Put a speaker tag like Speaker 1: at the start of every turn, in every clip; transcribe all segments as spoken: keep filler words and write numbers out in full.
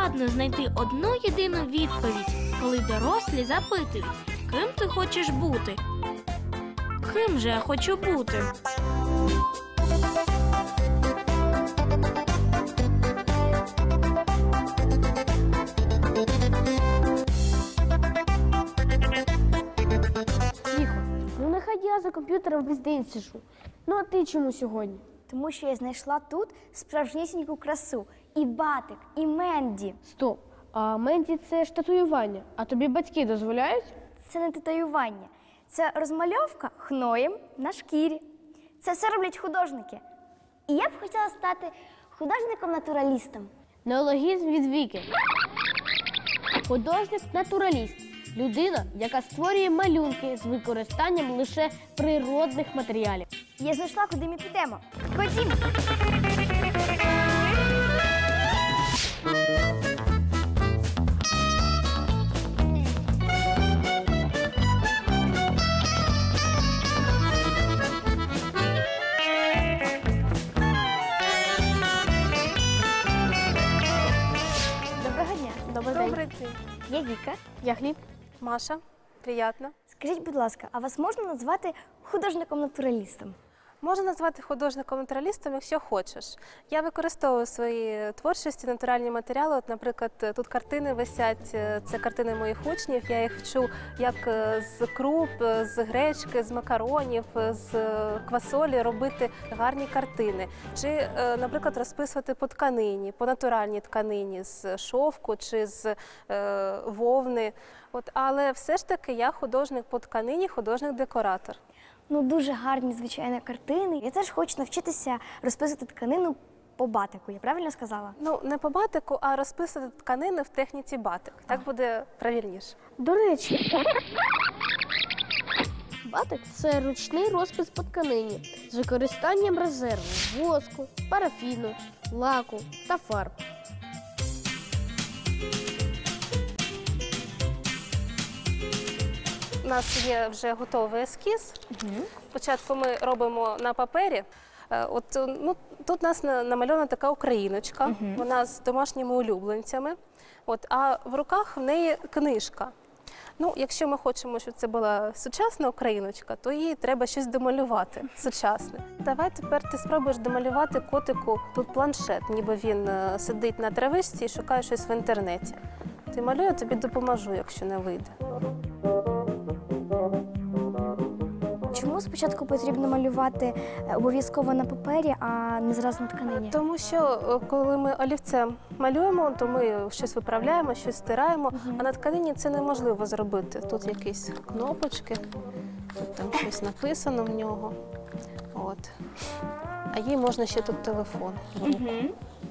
Speaker 1: складно знайти одну єдину відповідь, коли дорослі запитують, ким ти хочеш бути? Ким же я хочу бути?
Speaker 2: Ну нехай я за комп'ютером весь день сижу. Ну а ти чому сьогодні?
Speaker 3: Тому що я знайшла тут справжнісіньку красу. І батик, і Менді.
Speaker 2: Стоп, а Менді це ж татуювання, а тобі батьки дозволяють?
Speaker 3: Це не татуювання. Це розмальовка хноєм на шкірі. Це все роблять художники. І я б хотіла стати художником-натуралістом.
Speaker 2: Неологізм від Віки. Художник-натураліст. Людина, яка створює малюнки з використанням лише природних матеріалів.
Speaker 3: Я знайшла, куди ми підемо. Ходімо! Доброго дня.
Speaker 2: Добрий
Speaker 4: Добрий день.
Speaker 3: Я Віка.
Speaker 2: Я Хліб.
Speaker 4: Маша, приємно.
Speaker 3: Скажіть, будь ласка, а вас можна назвати художником-натуралістом?
Speaker 4: Можна назвати художником-натуралістом, якщо хочеш. Я використовую в своїй творчості натуральні матеріали. От, наприклад, тут картини висять, це картини моїх учнів. Я їх вчу як з круп, з гречки, з макаронів, з квасолі робити гарні картини. Чи, наприклад, розписувати по тканині, по натуральній тканині, з шовку чи з е, вовни. От, але все ж таки я художник по тканині, художник-декоратор.
Speaker 3: Ну, дуже гарні, звичайно, картини. Я теж хочу навчитися розписувати тканину по батику. Я правильно сказала?
Speaker 4: Ну, не по батику, а розписувати тканини в техніці батик. Так буде правильніше.
Speaker 2: До речі, батик – це ручний розпис по тканині з використанням резерву, воску, парафіну, лаку та фарб.
Speaker 4: У нас є вже готовий ескіз. Угу. Спочатку ми робимо на папері. От, ну, тут у нас намальована така україночка, угу. Вона з домашніми улюбленцями, от, а в руках в неї книжка. Ну, якщо ми хочемо, щоб це була сучасна україночка, то їй треба щось домалювати сучасне. Давай тепер ти спробуєш домалювати котику тут планшет, ніби він сидить на травичці і шукає щось в інтернеті. Ти малюй, я тобі допоможу, якщо не вийде.
Speaker 3: Чому спочатку потрібно малювати обов'язково на папері, а не зразу на тканині?
Speaker 4: Тому що коли ми олівцем малюємо, то ми щось виправляємо, щось стираємо, угу. А на тканині це неможливо зробити. Тут якісь кнопочки, тут там щось написано в нього. От. А їй можна ще тут телефон в руку. Угу.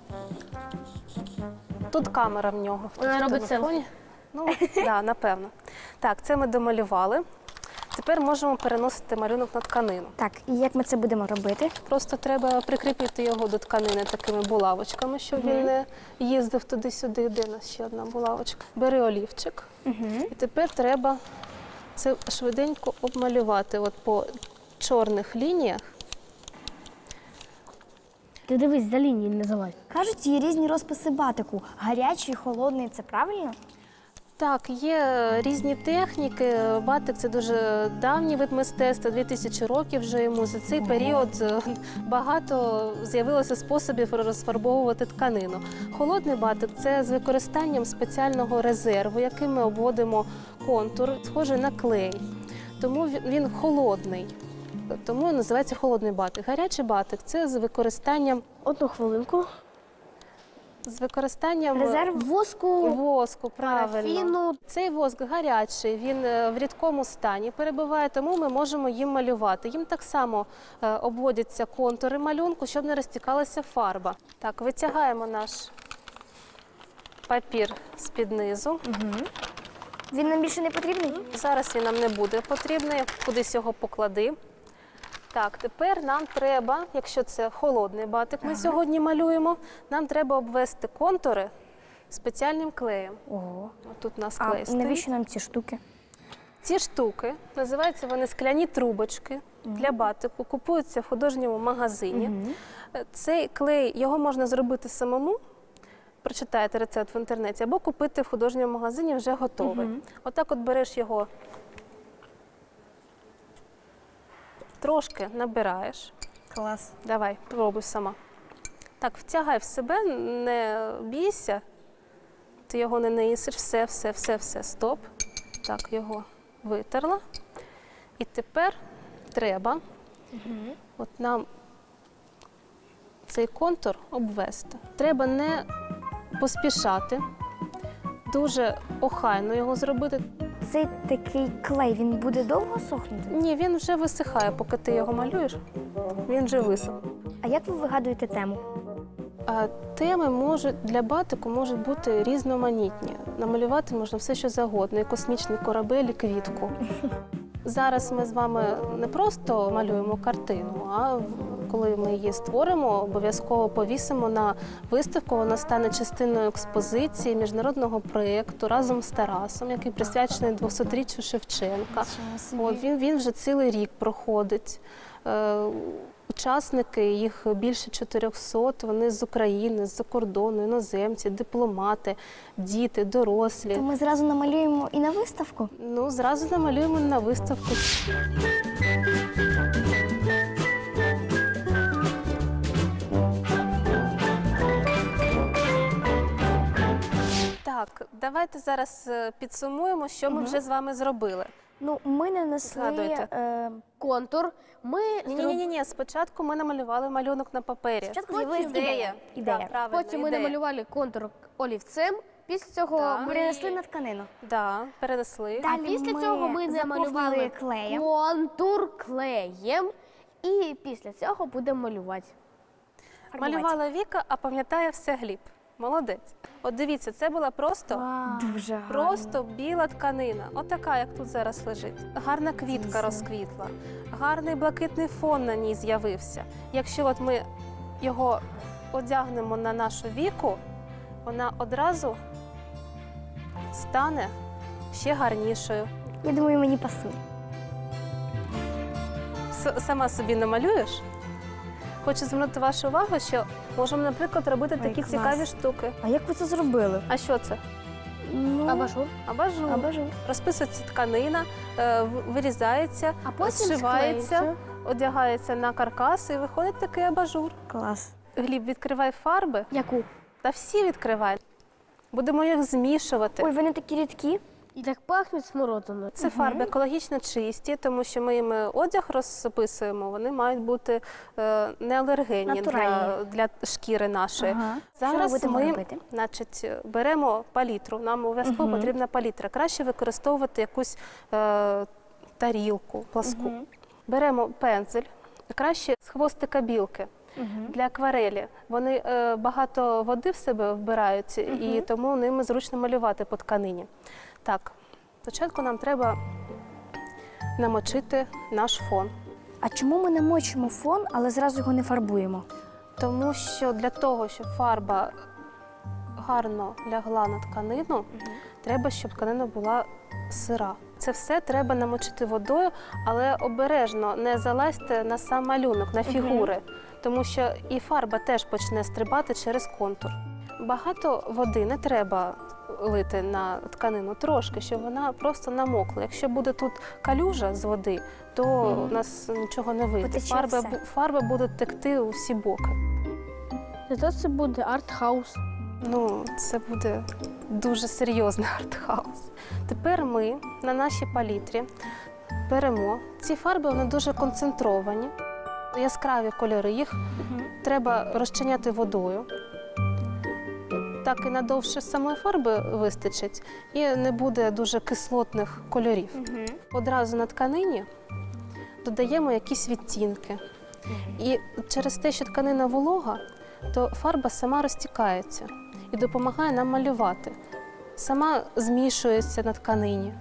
Speaker 4: Тут камера в нього.
Speaker 2: Вона робить селфі?
Speaker 4: Ну, так, да, напевно. Так, це ми домалювали. Тепер можемо переносити малюнок на тканину.
Speaker 3: Так, і як ми це будемо робити?
Speaker 4: Просто треба прикріпити його до тканини такими булавочками, щоб угу. він не їздив туди-сюди. Де у нас ще одна булавочка? Бери олівчик. Угу. І тепер треба це швиденько обмалювати от по чорних лініях.
Speaker 2: Ти дивись, за лінії не залазь.
Speaker 3: Кажуть, є різні розписи батику. Гарячий, холодний. Це правильно?
Speaker 4: Так, є різні техніки. Батик – це дуже давній вид мистецтва, дві тисячі років вже йому. За цей період багато з'явилося способів розфарбовувати тканину. Холодний батик – це з використанням спеціального резерву, яким ми обводимо контур, схожий на клей. Тому він холодний. Тому називається холодний батик. Гарячий батик – це з використанням…
Speaker 2: Одну хвилинку.
Speaker 4: З використанням
Speaker 3: резерв
Speaker 2: воску,
Speaker 4: воску, правильно.
Speaker 2: Парафіну.
Speaker 4: Цей воск гарячий, він в рідкому стані перебуває, тому ми можемо їм малювати. Їм так само обводяться контури малюнку, щоб не розтікалася фарба. Так, витягаємо наш папір з-під низу.
Speaker 3: Угу. Він нам більше не потрібний?
Speaker 4: Зараз він нам не буде потрібний, кудись його поклади. Так, тепер нам треба, якщо це холодний батик ми ага. сьогодні малюємо, нам треба обвести контури спеціальним клеєм.
Speaker 3: Ого.
Speaker 4: Тут у нас
Speaker 3: а
Speaker 4: клей стоїть.
Speaker 3: Навіщо нам ці штуки?
Speaker 4: Ці штуки, називаються вони скляні трубочки угу. для батику, купуються в художньому магазині. Угу. Цей клей, його можна зробити самому, прочитаєте рецепт в інтернеті, або купити в художньому магазині вже готовий.
Speaker 3: Мгм.
Speaker 4: Отак от береш його, трошки набираєш.
Speaker 3: Клас.
Speaker 4: Давай, пробуй сама. Так, втягай в себе, не бійся. Ти його не наїсиш, все, все, все, все, стоп. Так, його витерла. І тепер треба от нам цей контур обвести. Треба не поспішати, дуже охайно його зробити.
Speaker 3: Цей такий клей, він буде довго сохнути?
Speaker 4: Ні, він вже висихає, поки ти його малюєш, він вже висох.
Speaker 3: А як ви вигадуєте тему?
Speaker 4: А теми можуть для батику можуть бути різноманітні. Намалювати можна все, що завгодно, і космічний корабель, і квітку. Зараз ми з вами не просто малюємо картину, а в- коли ми її створимо, обов'язково повісимо на виставку. Вона стане частиною експозиції міжнародного проєкту разом з Тарасом, який присвячений двохсотріччю Шевченка. От, він, він вже цілий рік проходить. Е, Учасники, їх більше чотирьохсот, вони з України, з-за кордону, іноземці, дипломати, діти, дорослі.
Speaker 3: То ми зразу намалюємо і на виставку?
Speaker 4: Ну, зразу намалюємо на виставку. Так, давайте зараз е, підсумуємо, що ми
Speaker 3: Мгм.
Speaker 4: вже з вами зробили.
Speaker 3: Ну, ми нанесли
Speaker 4: Згадуйте.
Speaker 3: е,
Speaker 2: Контур. Ми
Speaker 4: Ні, ні,
Speaker 2: зроб-
Speaker 4: ні, ні. Спочатку ми намалювали малюнок на папері.
Speaker 3: Спочатку
Speaker 2: Потім
Speaker 3: з'явилась ідея. Ідея.
Speaker 4: Да, правильно,
Speaker 2: Потім ми
Speaker 4: ідея.
Speaker 2: намалювали контур олівцем. Після цього
Speaker 4: Так.
Speaker 2: ми
Speaker 3: Перенесли на тканину.
Speaker 4: Да, перенесли.
Speaker 2: А
Speaker 3: Далі
Speaker 2: після
Speaker 3: ми
Speaker 2: цього ми
Speaker 3: заповнили
Speaker 2: намалювали
Speaker 3: клеєм.
Speaker 2: контур клеєм. І після цього будемо малювати.
Speaker 3: Фарбувати.
Speaker 4: Малювала Віка, а пам'ятає все Гліб. Молодець. От дивіться, це була просто,
Speaker 3: Дуже гарно.
Speaker 4: просто біла тканина. Отака, як тут зараз лежить. Гарна квітка
Speaker 3: Дійсно.
Speaker 4: розквітла, гарний блакитний фон на ній з'явився. Якщо от ми його одягнемо на нашу Віку, вона одразу стане ще гарнішою.
Speaker 3: Я думаю, мені пасує.
Speaker 4: С- Сама собі намалюєш? Хочу звернути вашу увагу, що можемо, наприклад, робити
Speaker 3: Ой,
Speaker 4: такі
Speaker 3: клас.
Speaker 4: цікаві штуки.
Speaker 3: А як ви це зробили?
Speaker 4: А що це?
Speaker 3: Ну,
Speaker 2: Абажур.
Speaker 4: Абажур.
Speaker 3: абажур.
Speaker 4: Розписується тканина, е, в- вирізається,
Speaker 2: А потім
Speaker 4: зшивається,
Speaker 2: склеїться.
Speaker 4: одягається на каркас і виходить такий абажур.
Speaker 3: Клас.
Speaker 4: Гліб, відкривай фарби,
Speaker 2: Яку?
Speaker 4: та всі відкривай. Будемо їх змішувати.
Speaker 3: Ой, вони такі рідкі.
Speaker 2: І так пахнуть смородиною.
Speaker 4: Це фарби екологічно чисті, тому що ми їм одяг розписуємо, вони мають бути е, неалергенні для,
Speaker 3: Натуральні.
Speaker 4: для шкіри нашої.
Speaker 3: Ага. Що ми
Speaker 4: Зараз
Speaker 3: будемо
Speaker 4: ми
Speaker 3: робити?
Speaker 4: значить, беремо палітру, нам обов'язково
Speaker 3: Мгм.
Speaker 4: потрібна палітра. Краще використовувати якусь е, тарілку пласку.
Speaker 3: Мгм.
Speaker 4: Беремо пензель, краще з хвостика білки.
Speaker 3: Мгм.
Speaker 4: Для акварелі. Вони е, багато води в себе вбирають, і тому ними зручно малювати по тканині. Так, спочатку нам треба намочити наш фон.
Speaker 3: А чому ми намочимо фон, але зразу його не фарбуємо?
Speaker 4: Тому що для того, щоб фарба гарно лягла на тканину, треба, щоб тканина була сира. Це все треба намочити водою, але обережно не залазьте на сам малюнок, на фігури, тому що і фарба теж почне стрибати через контур. Багато води не треба лити на тканину, трошки, щоб вона просто намокла. Якщо буде тут калюжа з води, то у нас нічого не вийде.
Speaker 3: Потече
Speaker 4: Фарба,
Speaker 3: все.
Speaker 4: бу- фарба буде текти у всі боки.
Speaker 2: Зато це буде арт-хаус.
Speaker 4: Ну, це буде дуже серйозний артхаус. Тепер ми на нашій палітрі беремо. Ці фарби вони дуже концентровані, яскраві кольори. Їх треба розчиняти водою. Так і надовше самої фарби вистачить, і не буде дуже кислотних кольорів. Одразу на тканині додаємо якісь відтінки. І через те, що тканина волога, то фарба сама розтікається і допомагає нам малювати. Сама змішується на тканині.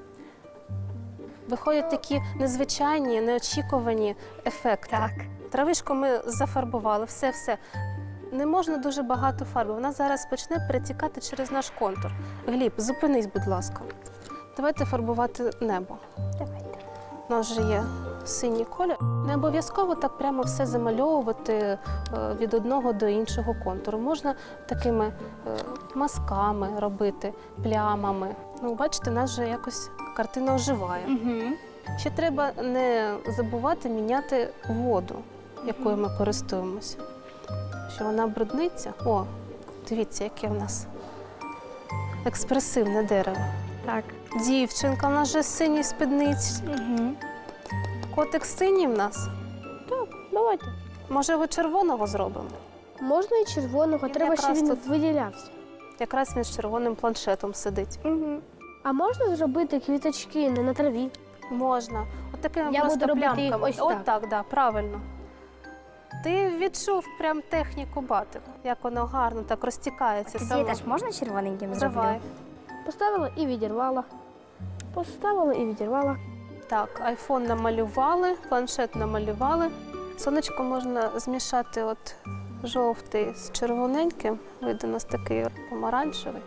Speaker 4: Виходять такі незвичайні, неочікувані ефекти.
Speaker 3: Так.
Speaker 4: Травишку ми зафарбували, все-все. Не можна дуже багато фарби, вона зараз почне перетікати через наш контур. Гліб, зупинись, будь ласка. Давайте фарбувати небо.
Speaker 3: Давайте.
Speaker 4: У нас вже є синій колір. Не обов'язково так прямо все замальовувати е, від одного до іншого контуру. Можна такими е, мазками робити, плямами. Ну, бачите, у нас вже якось картина оживає.
Speaker 3: Угу.
Speaker 4: Ще треба не забувати міняти воду, якою ми користуємося. Що вона брудниться. О, дивіться, яке в нас експресивне дерево.
Speaker 3: Так.
Speaker 4: Дівчинка, в нас вже синій спідниці.
Speaker 3: Угу.
Speaker 4: Котик синій в нас.
Speaker 2: Так, давайте.
Speaker 4: Може, його червоного зробимо?
Speaker 2: Можна і червоного,
Speaker 4: Він
Speaker 2: треба, щоб
Speaker 4: якраз
Speaker 2: він
Speaker 4: тут-
Speaker 2: виділявся.
Speaker 4: Якраз він з червоним планшетом сидить.
Speaker 3: Угу.
Speaker 2: А можна зробити квіточки не на траві?
Speaker 4: Можна. От такими
Speaker 2: Я
Speaker 4: просто
Speaker 2: буду робити їх
Speaker 4: плямками.
Speaker 2: ось
Speaker 4: От
Speaker 2: так.
Speaker 4: так, да, правильно. Ти відчув прям техніку батику, як воно гарно так розтікається
Speaker 3: Тоді
Speaker 4: само.
Speaker 3: теж можна червоненьким зроблю?
Speaker 4: Давай.
Speaker 2: Поставила і відірвала. Поставила і відірвала.
Speaker 4: Так, айфон намалювали, планшет намалювали. Сонечко можна змішати от жовтий з червоненьким. Вийде у нас такий помаранчевий.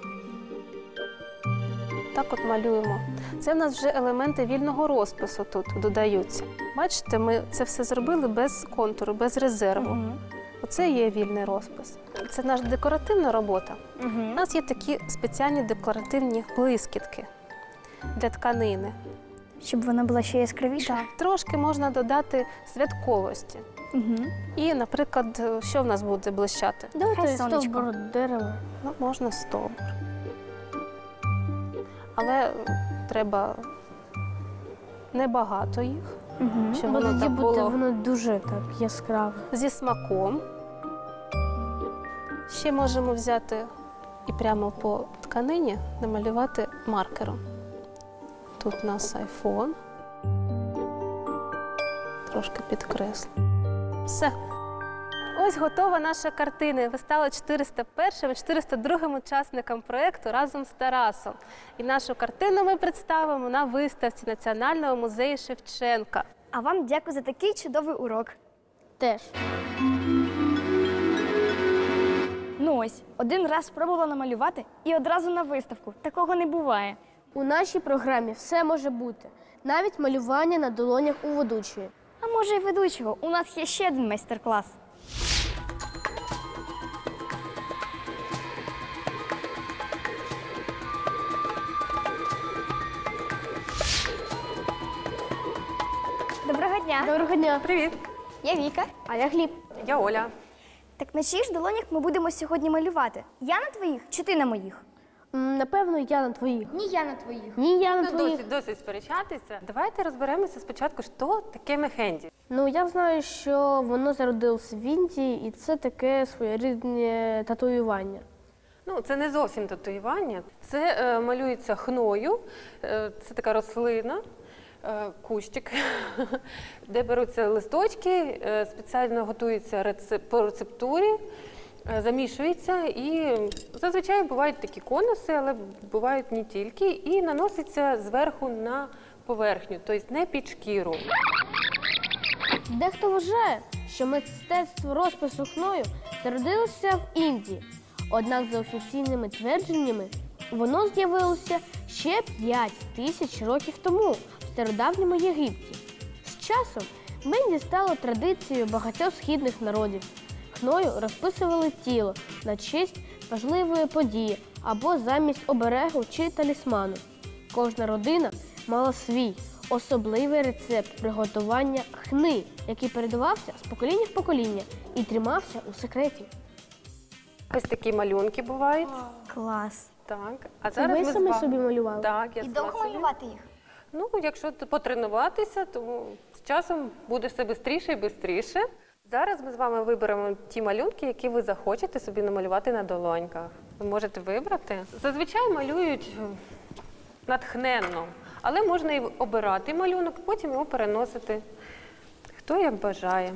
Speaker 4: Так от малюємо. Це в нас вже елементи вільного розпису тут додаються. Бачите, ми це все зробили без контуру, без резерву.
Speaker 3: Угу.
Speaker 4: Оце є вільний розпис. Це наша декоративна робота. У
Speaker 3: Угу.
Speaker 4: нас є такі спеціальні декоративні блискітки для тканини.
Speaker 3: Щоб вона була ще яскравіша?
Speaker 4: Трошки можна додати святковості.
Speaker 3: Угу.
Speaker 4: І, наприклад, що в нас буде блищати?
Speaker 2: Давайте
Speaker 3: Хай сонечко.
Speaker 2: стовбур дерева.
Speaker 4: Ну, можна стовбур. Але е, треба небагато їх,
Speaker 3: Угу.
Speaker 4: щоб
Speaker 2: Бо
Speaker 4: воно
Speaker 2: тоді
Speaker 4: так
Speaker 2: буде
Speaker 4: було
Speaker 2: воно дуже так яскраве.
Speaker 4: зі смаком. Ще можемо взяти і прямо по тканині намалювати маркером. Тут у нас айфон. Трошки підкреслю. Все. Ось готова наша картина. Ви стали чотириста першим, чотириста другим учасником проєкту разом з Тарасом. І нашу картину ми представимо на виставці Національного музею Шевченка.
Speaker 3: А вам дякую за такий чудовий урок.
Speaker 2: Теж.
Speaker 3: Ну ось, один раз спробувала намалювати і одразу на виставку. Такого не буває.
Speaker 2: У нашій програмі все може бути. Навіть малювання на долонях у ведучої.
Speaker 3: А може й ведучого, у нас є ще один майстер-клас. Доброго дня.
Speaker 2: Доброго дня.
Speaker 5: Привіт,
Speaker 3: Я Віка.
Speaker 2: А я Гліб.
Speaker 5: я Оля.
Speaker 3: Так на чиїх ж долонях ми будемо сьогодні малювати? Я на твоїх чи ти на моїх?
Speaker 2: М, Напевно, я на твоїх.
Speaker 3: Ні, я на твоїх.
Speaker 2: Ні, я на
Speaker 5: Ну,
Speaker 2: твоїх.
Speaker 5: досить, досить сперечатися. Давайте розберемося спочатку, що таке мехенді.
Speaker 2: Ну, я знаю, що воно зародилося в Індії, і це таке своєрідне татуювання.
Speaker 5: Ну, це не зовсім татуювання. Це е, малюється хною, е, це така рослина, е, кущик, де беруться листочки, е, спеціально готується рецеп- по рецептурі, е, замішується і зазвичай бувають такі конуси, але бувають не тільки, і наноситься зверху на поверхню, тобто не під шкіру.
Speaker 2: Дехто вважає, що мистецтво розпису хною зародилося в Індії. Однак, за офіційними твердженнями, воно з'явилося ще п'ять тисяч років тому в стародавньому Єгипті. З часом мені стало традицією багатьох східних народів. Хною розписували тіло на честь важливої події або замість оберегу чи талісману. Кожна родина мала свій особливий рецепт приготування хни, який передавався з покоління в покоління і тримався у секреті.
Speaker 5: Ось такі малюнки бувають.
Speaker 3: Клас.
Speaker 5: Так. А
Speaker 2: Це
Speaker 5: зараз
Speaker 2: ви
Speaker 5: ми
Speaker 2: самі
Speaker 5: з вами-
Speaker 2: собі малювали?
Speaker 5: Так, я
Speaker 3: І
Speaker 5: сама
Speaker 3: довго
Speaker 5: собі.
Speaker 3: малювати їх?
Speaker 5: Ну, якщо т- потренуватися, то з часом буде все швидше і швидше. Зараз ми з вами виберемо ті малюнки, які ви захочете собі намалювати на долоньках. Ви можете вибрати. Зазвичай малюють е, натхненно, але можна і обирати малюнок, потім його переносити, хто як бажає.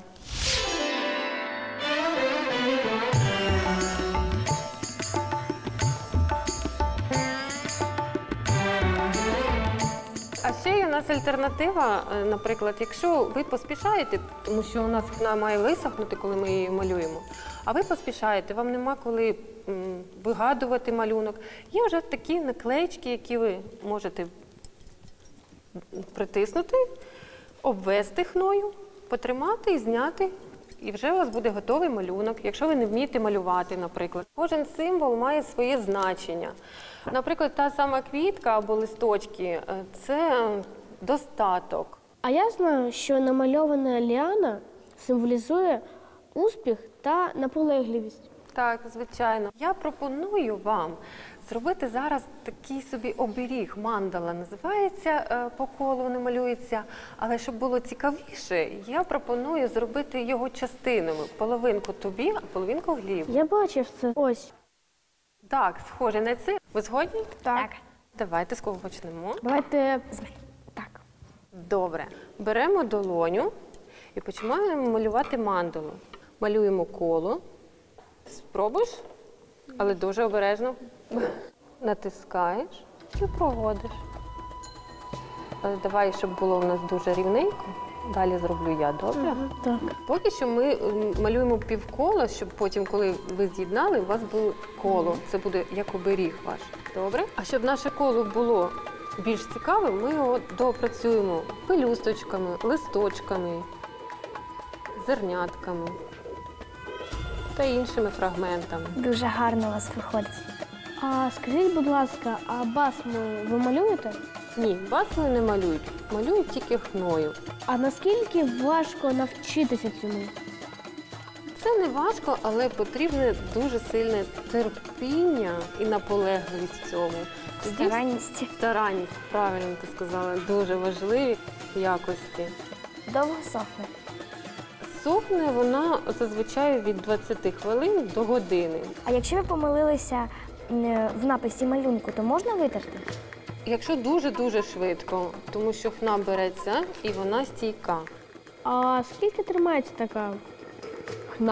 Speaker 5: А ще є у нас альтернатива, е, наприклад, якщо ви поспішаєте, тому що у нас вона має висохнути, коли ми її малюємо, а ви поспішаєте, вам нема коли м, вигадувати малюнок. Є вже такі наклеїчки, які ви можете притиснути обвести хною, потримати і зняти. І вже у вас буде готовий малюнок, якщо ви не вмієте малювати, наприклад. Кожен символ має своє значення. Наприклад, та сама квітка або листочки е, – це достаток.
Speaker 2: А я знаю, що намальована ліана символізує успіх та наполегливість.
Speaker 5: Так, звичайно. Я пропоную вам зробити зараз такий собі оберіг. Мандала називається, е, по колу не малюється. Але щоб було цікавіше, я пропоную зробити його частинами. Половинку тобі, а половинку Глібу.
Speaker 2: Я бачив це. Ось.
Speaker 5: Так, схоже на це. Ви згодні?
Speaker 3: Так.
Speaker 5: Давайте з кого почнемо.
Speaker 2: Давайте так.
Speaker 5: Добре. Беремо долоню і починаємо малювати мандалу. Малюємо коло. Спробуєш, але дуже обережно. Натискаєш і проводиш. Але давай, щоб було в нас дуже рівненько. Далі зроблю я, добре?
Speaker 2: Так.
Speaker 5: Поки що ми м, малюємо півкола, щоб потім, коли ви з'єднали, у вас було коло. Це буде як оберіг ваш. Добре? А щоб наше коло було більш цікавим, ми його доопрацюємо пелюсточками, листочками, зернятками та іншими фрагментами.
Speaker 3: Дуже гарно у вас виходить.
Speaker 2: А скажіть, будь ласка, а басму ви малюєте?
Speaker 5: Ні, басми не малюють, малюють тільки хною.
Speaker 2: А наскільки важко навчитися цьому?
Speaker 5: Це не важко, але потрібне дуже сильне терпіння і наполегливість в цьому. Тоді
Speaker 3: Старанність.
Speaker 5: Старанність, правильно ти сказала, дуже важливі якості.
Speaker 3: Довго сохне.
Speaker 5: Сохне вона зазвичай від двадцяти хвилин до години.
Speaker 3: А якщо ви помилилися м, в написі малюнку, то можна витерти?
Speaker 5: Якщо дуже-дуже швидко, тому що хна береться і вона стійка.
Speaker 2: А скільки тримається така хна?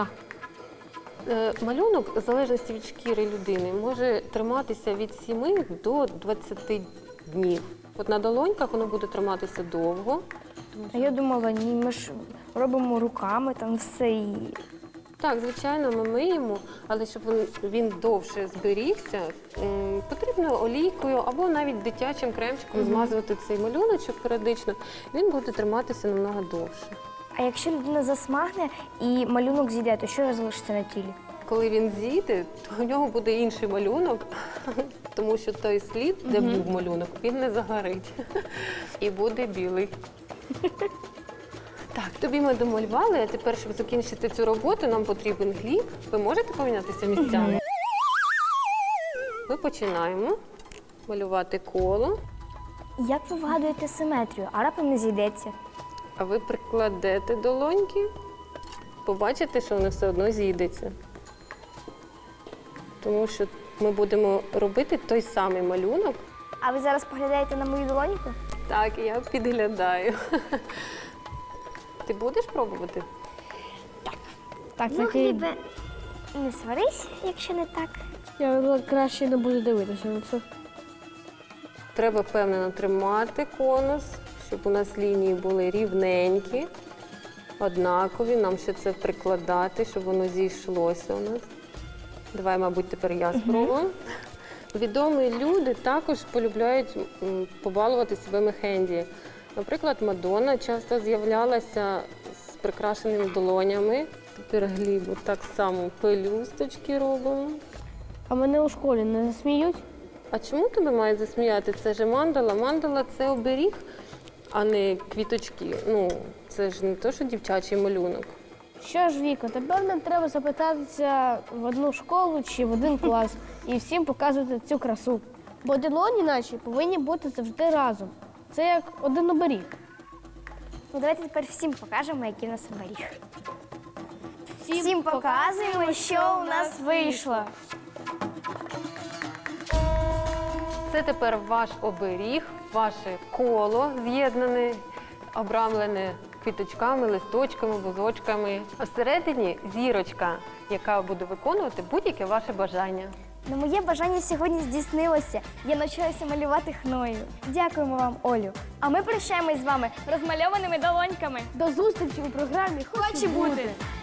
Speaker 5: Е, Малюнок, в залежності від шкіри людини, може триматися від сіми до двадцяти днів. От на долоньках воно буде триматися довго.
Speaker 3: А я думала, ні, ми ж робимо руками там все і.
Speaker 5: Так, звичайно, ми миємо, але щоб він, він довше зберігся, м, потрібно олійкою або навіть дитячим кремчиком змазувати цей малюночок періодично. Він буде триматися намного довше.
Speaker 3: А якщо людина засмагне і малюнок зійде, то що залишиться на тілі?
Speaker 5: Коли він зійде, то у нього буде інший малюнок, тому що той слід, де був малюнок, він не загорить і буде білий. Так, тобі ми домалювали, а тепер, щоб закінчити цю роботу, нам потрібен Гліб. Ви можете помінятися місцями? Ми починаємо малювати коло,
Speaker 3: Як ви вгадуєте симетрію, а раптом не зійдеться?
Speaker 5: а ви прикладете долоньки, побачите, що воно все одно зійдеться. Тому що ми будемо робити той самий малюнок.
Speaker 3: А ви зараз поглядаєте на мою долоньку?
Speaker 5: Так, я підглядаю. Ти будеш пробувати?
Speaker 2: Так,
Speaker 3: Ну,
Speaker 2: такий-
Speaker 3: Глібе, не сварись, якщо не так.
Speaker 2: Я краще не буду дивитися на це.
Speaker 5: Треба впевнено тримати конус, щоб у нас лінії були рівненькі, однакові. Нам ще це прикладати, щоб воно зійшлося у нас. Давай, мабуть, тепер я спробую. Відомі люди також полюбляють м, побалувати себе мехенді. Наприклад, Мадонна часто з'являлася з прикрашеними долонями. Тепер Глібу так само пелюсточки робимо.
Speaker 2: А мене у школі не засміють?
Speaker 5: А чому тебе мають засміяти? Це ж мандала. Мандала – це оберіг, а не квіточки. Ну, це ж не те, що дівчачий малюнок.
Speaker 2: Що ж, Віко, тепер нам треба запитатися в одну школу чи в один клас і всім показувати цю красу. Бо долоні наші повинні бути завжди разом. Це як один оберіг.
Speaker 3: Ну, давайте тепер всім покажемо, який у нас оберіг. Всім показуємо, що у нас вийшло.
Speaker 5: Це тепер ваш оберіг, ваше коло з'єднане, обрамлене квіточками, листочками, бузочками. А всередині зірочка, яка буде виконувати будь-яке ваше бажання.
Speaker 3: Ну, моє бажання сьогодні здійснилося. Я навчилася малювати хною. Дякуємо вам, Олю. А ми прощаємось з вами розмальованими долоньками.
Speaker 2: До зустрічі у програмі «Хочу бути».